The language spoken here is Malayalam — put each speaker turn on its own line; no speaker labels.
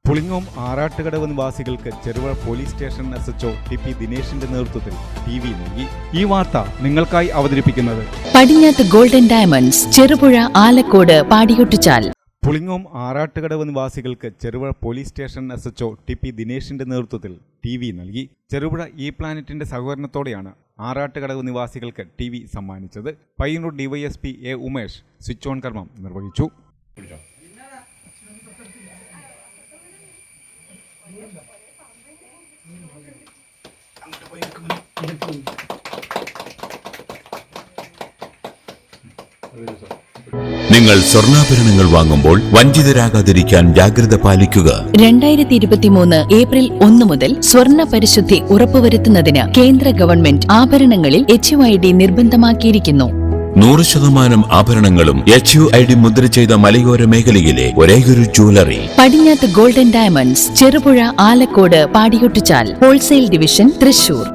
പുളിങ്ങോം ആറാട്ടുകടവ് നിവാസികൾക്ക് Cherupuzha police station SHO TP ദിനേശിന്റെ നേതൃത്വത്തിൽ TV നൽകി. ഈ വാർത്ത നിങ്ങൾക്കായി അവതരിപ്പിക്കുന്നത്
പടിഞ്ഞാത്ത് ഗോൾഡൻ ഡയമണ്ട്സ്, ചെറുപുഴ, ആലക്കോട്, പാടിയൊട്ടിച്ചാൽ.
പുളിങ്ങോം ആറാട്ടുകടവ് നിവാസികൾക്ക് Cherupuzha police station SHO TP ദിനേശിന്റെ നേതൃത്വത്തിൽ TV നൽകി. ചെറുപുഴ പ്ലാനറ്റിന്റെ സഹകരണത്തോടെയാണ് ആറാട്ടുകടവ് നിവാസികൾക്ക് TV സമ്മാനിച്ചത്. Payyanur DYSP A Umesh switch on കർമ്മം നിർവഹിച്ചു.
നിങ്ങൾ സ്വർണ്ണാഭരണങ്ങൾ വാങ്ങുമ്പോൾ വഞ്ചിതരാകാതിരിക്കാൻ ജാഗ്രത പാലിക്കുക.
2023 ഏപ്രിൽ 1 മുതൽ സ്വർണ്ണ പരിശുദ്ധി ഉറപ്പുവരുത്തുന്നതിന് കേന്ദ്ര ഗവൺമെന്റ് ആഭരണങ്ങളിൽ HUID നിർബന്ധമാക്കിയിരിക്കുന്നു.
100% ആഭരണങ്ങളും HUID മുദ്ര ചെയ്ത മലയോര മേഖലയിലെ ഒരേയൊരു jewellery
Padinjath golden diamonds, Cherupuzha, Alakode, പാടിയൊട്ടിച്ചാൽ. Wholesale division, Thrissur.